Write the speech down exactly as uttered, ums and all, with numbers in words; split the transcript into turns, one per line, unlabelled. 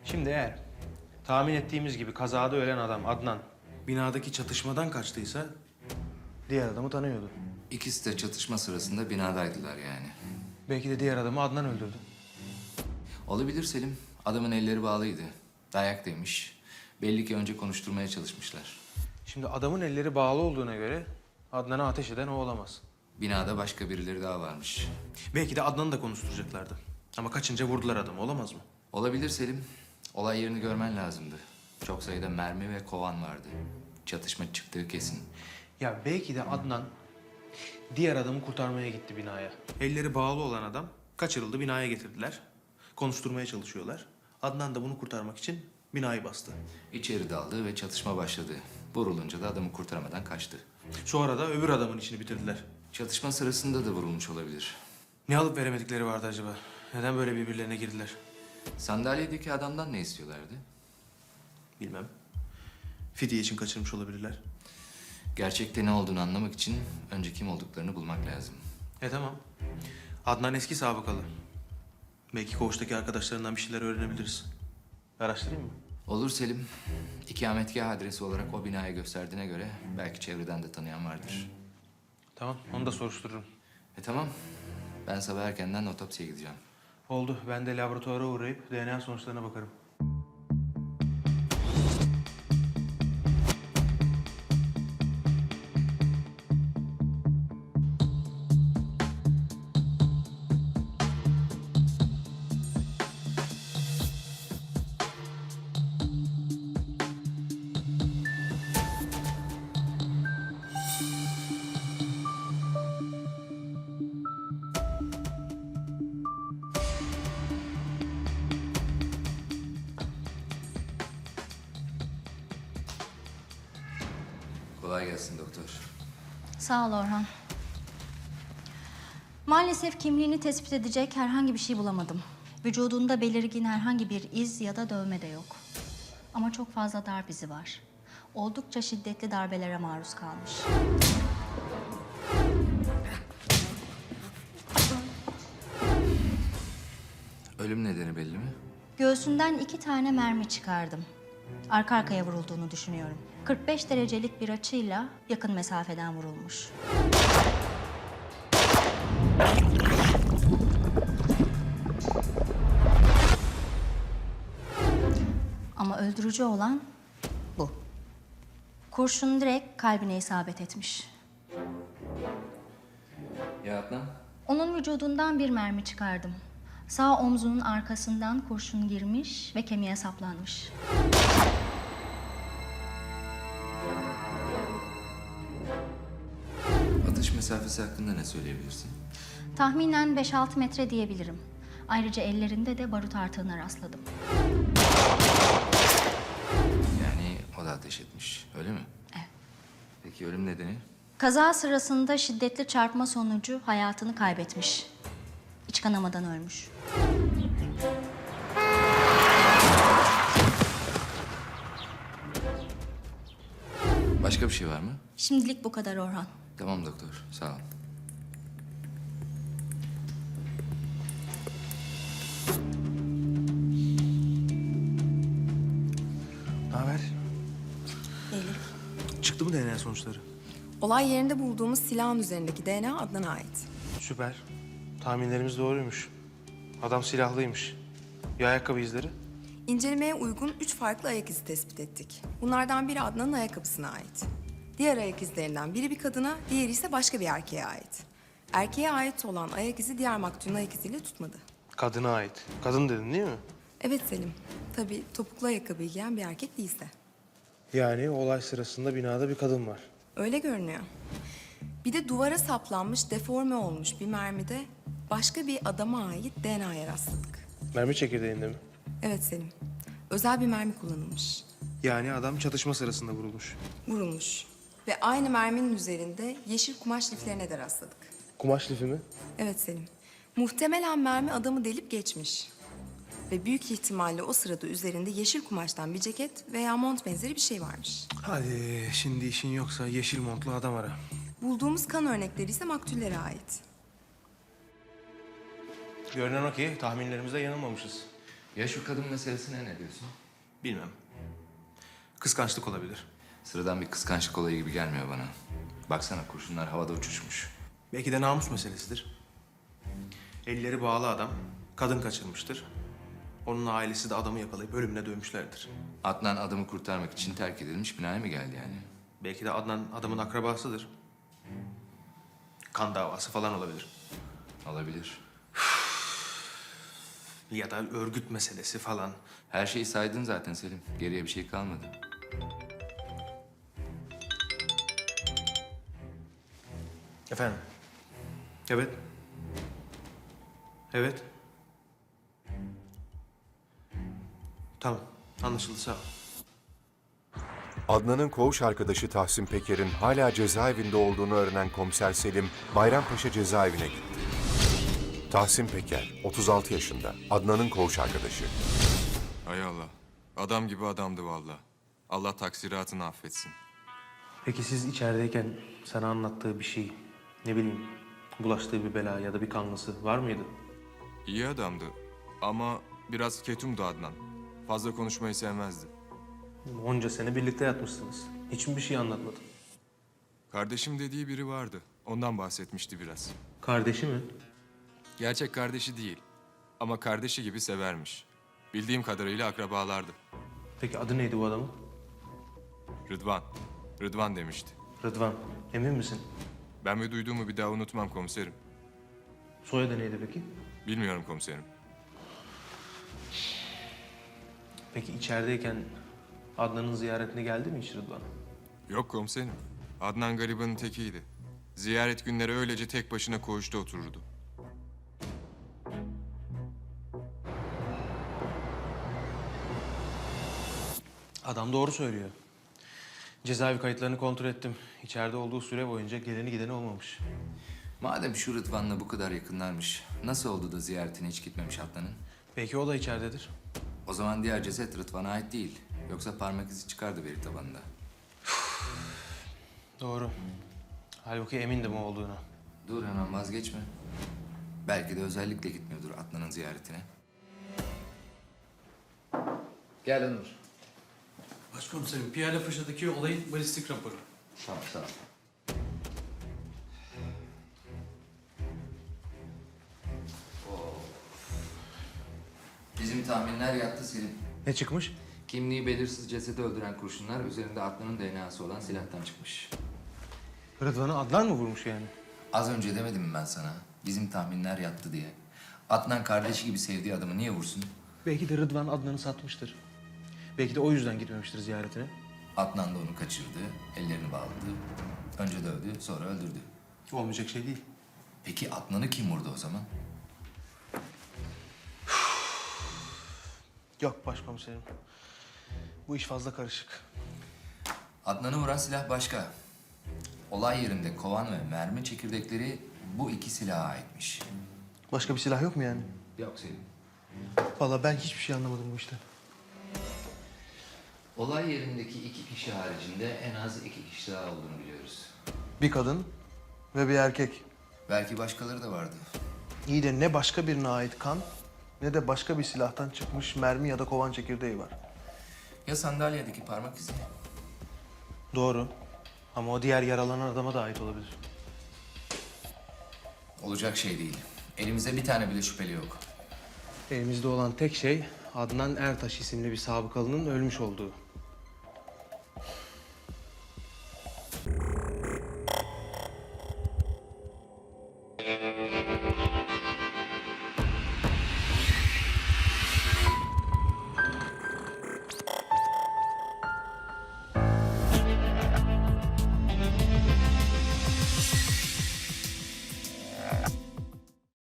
Şimdi eğer tahmin ettiğimiz gibi kazada ölen adam Adnan binadaki çatışmadan kaçtıysa diğer adamı tanıyordu.
İkisi de çatışma sırasında binadaydılar yani.
Belki de diğer adamı Adnan öldürdü.
Olabilir Selim. Adamın elleri bağlıydı. Dayak demiş. Belli ki önce konuşturmaya çalışmışlar.
Şimdi adamın elleri bağlı olduğuna göre Adnan'a ateş eden o olamaz.
Binada başka birileri daha varmış.
Belki de Adnan'ı da konuşturacaklardı. Ama kaçınca vurdular adamı, olamaz mı?
Olabilir Selim. Olay yerini görmen lazımdı. Çok sayıda mermi ve kovan vardı. Çatışma çıktığı kesin.
Ya belki de Adnan diğer adamı kurtarmaya gitti binaya. Elleri bağlı olan adam kaçırıldı, binaya getirdiler. Konuşturmaya çalışıyorlar. Adnan da bunu kurtarmak için binayı bastı.
İçeri daldı ve çatışma başladı. Vurulunca da adamı kurtaramadan kaçtı.
Sonra da öbür adamın işini bitirdiler.
Çatışma sırasında da vurulmuş olabilir.
Ne alıp veremedikleri vardı acaba? Neden böyle birbirlerine girdiler?
Sandalyedeki adamdan ne istiyorlardı?
Bilmem. Fidye için kaçırmış olabilirler.
Gerçekte ne olduğunu anlamak için önce kim olduklarını bulmak lazım.
E tamam. Adnan eski sabıkalı. Belki koğuştaki arkadaşlarından bir şeyler öğrenebiliriz. Araştırayım mı?
Olur Selim. İkametgah adresi olarak o binaya gösterdiğine göre belki çevreden de tanıyan vardır.
Tamam, onu da soruştururum.
E tamam. Ben sabah erkenden otopsiye gideceğim.
Oldu. Ben de laboratuvara uğrayıp D N A sonuçlarına bakarım.
Kolay gelsin doktor.
Sağ ol Orhan. Maalesef kimliğini tespit edecek herhangi bir şey bulamadım. Vücudunda belirgin herhangi bir iz ya da dövme de yok. Ama çok fazla darp izi var. Oldukça şiddetli darbelere maruz kalmış.
Ölüm nedeni belli mi?
Göğsünden iki tane mermi çıkardım. Arka arkaya vurulduğunu düşünüyorum. kırk beş derecelik bir açıyla yakın mesafeden vurulmuş. Ama öldürücü olan bu. Kurşun direkt kalbine isabet etmiş.
Ya Adnan?
Onun vücudundan bir mermi çıkardım. Sağ omzunun arkasından kurşun girmiş ve kemiğe saplanmış.
Atış mesafesi hakkında ne söyleyebilirsin?
Tahminen beş altı metre diyebilirim. Ayrıca ellerinde de barut artığına rastladım.
Yani o da ateş etmiş, öyle mi?
Evet.
Peki ölüm nedeni?
Kaza sırasında şiddetli çarpma sonucu hayatını kaybetmiş. İç kanamadan ölmüş.
Başka bir şey var mı?
Şimdilik bu kadar Orhan.
Tamam doktor, sağ ol.
Ne haber?
Elif.
Çıktı mı D N A sonuçları?
Olay yerinde bulduğumuz silahın üzerindeki D N A Adnan'a ait.
Süper. Tahminlerimiz doğruymuş. Adam silahlıymış. Ya ayakkabı izleri?
İncelemeye uygun üç farklı ayak izi tespit ettik. Bunlardan biri Adnan'ın ayakkabısına ait. Diğer ayak izlerinden biri bir kadına, diğeri ise başka bir erkeğe ait. Erkeğe ait olan ayak izi diğer maktulün ayak iziyle tutmadı.
Kadına ait. Kadın dedin değil mi?
Evet Selim. Tabii topuklu ayakkabı giyen bir erkek değilse.
Yani olay sırasında binada bir kadın var.
Öyle görünüyor. Bir de duvara saplanmış, deforme olmuş bir mermide başka bir adama ait D N A'ya rastladık.
Mermi çekirdeğinde mi?
Evet Selim. Özel bir mermi kullanılmış.
Yani adam çatışma sırasında vurulmuş.
Vurulmuş. Ve aynı merminin üzerinde yeşil kumaş liflerine de rastladık.
Kumaş lifi mi?
Evet Selim. Muhtemelen mermi adamı delip geçmiş. Ve büyük ihtimalle o sırada üzerinde yeşil kumaştan bir ceket veya mont benzeri bir şey varmış.
Hadi şimdi işin yoksa yeşil montlu adam ara.
Bulduğumuz kan örnekleri ise maktullere ait.
Görünen o ki tahminlerimizde yanılmamışız.
Ya şu kadın meselesine ne diyorsun?
Bilmem. Kıskançlık olabilir.
Sıradan bir kıskançlık olayı gibi gelmiyor bana. Baksana kurşunlar havada uçuşmuş.
Belki de namus meselesidir. Elleri bağlı adam kadın kaçırmıştır. Onun ailesi de adamı yakalayıp ölümüne dövmüşlerdir.
Adnan adamı kurtarmak için terk edilmiş binaya mı geldi yani?
Belki de Adnan adamın akrabasıdır. Kan davası falan olabilir.
Olabilir.
Ya da örgüt meselesi falan.
Her şeyi saydın zaten Selim. Geriye bir şey kalmadı.
Efendim? Evet. Evet. Tamam. Anlaşıldı, sağ ol.
Adnan'ın koğuş arkadaşı Tahsin Peker'in hala cezaevinde olduğunu öğrenen komiser Selim, Bayrampaşa cezaevine gitti. Tahsin Peker, otuz altı yaşında, Adnan'ın koğuş arkadaşı.
Hay Allah. Adam gibi adamdı vallahi. Allah taksiratını affetsin.
Peki siz içerideyken sana anlattığı bir şey, ne bileyim, bulaştığı bir bela ya da bir kanlısı var mıydı?
İyi adamdı ama biraz ketumdu Adnan. Fazla konuşmayı sevmezdi.
Onca sene birlikte yatmışsınız. Hiç mi bir şey anlatmadı?
Kardeşim dediği biri vardı. Ondan bahsetmişti biraz.
Kardeşi mi?
Gerçek kardeşi değil ama kardeşi gibi severmiş. Bildiğim kadarıyla akrabalardı.
Peki adı neydi bu adamın?
Rıdvan. Rıdvan demişti.
Rıdvan. Emin misin?
Ben ve duyduğumu bir daha unutmam komiserim.
Soyadı neydi peki?
Bilmiyorum komiserim.
Peki içerideyken Adnan'ın ziyaretine geldi mi hiç Rıdvan?
Yok komiserim. Adnan garibanın tekiydi. Ziyaret günleri öylece tek başına koğuşta otururdu.
Adam doğru söylüyor. Cezaevi kayıtlarını kontrol ettim. İçeride olduğu süre boyunca geleni gideni olmamış.
Madem şu Rıdvan'la bu kadar yakınlarmış, nasıl oldu da ziyaretine hiç gitmemiş Adnan'ın?
Belki o da içeridedir.
O zaman diğer ceset Rıdvan'a ait değil. Yoksa parmak izi çıkardı veri tabanında.
Doğru. Halbuki emindim o olduğuna.
Dur hemen vazgeçme. Belki de özellikle gitmiyordur Adnan'ın ziyaretine. Gel Onur.
Başkomiserim, Piyale Paşa'daki olayın balistik raporu.
Tamam, sağ ol. Oo. Bizim tahminler yattı Selim.
Ne çıkmış?
Kimliği belirsiz cesedi öldüren kurşunlar üzerinde Adnan'ın D N A'sı olan silahtan çıkmış.
Rıdvan'ı Adnan mı vurmuş yani?
Az önce demedim mi ben sana? Bizim tahminler yattı diye. Adnan kardeşi gibi sevdiği adamı niye vursun?
Belki de Rıdvan Adnan'ı satmıştır. Belki de o yüzden gitmemiştir ziyaretine.
Adnan da onu kaçırdı, ellerini bağladı. Önce dövdü, sonra öldürdü.
Olmayacak şey değil.
Peki Adnan'ı kim vurdu o zaman?
Yok başkomiserim. Bu iş fazla karışık.
Adnan'ı vuran silah başka. Olay yerinde kovan ve mermi çekirdekleri bu iki silaha aitmiş.
Başka bir silah yok mu yani?
Yok Selim.
Vallahi ben hiçbir şey anlamadım bu işten.
Olay yerindeki iki kişi haricinde en az iki kişi daha olduğunu biliyoruz.
Bir kadın ve bir erkek.
Belki başkaları da vardı.
İyi de ne başka birine ait kan ne de başka bir silahtan çıkmış mermi ya da kovan çekirdeği var.
Ya sandalyedeki parmak izi?
Doğru. Ama o diğer yaralanan adama da ait olabilir.
Olacak şey değil. Elimizde bir tane bile şüpheli yok.
Elimizde olan tek şey Adnan Ertaş isimli bir sabıkalının ölmüş olduğu.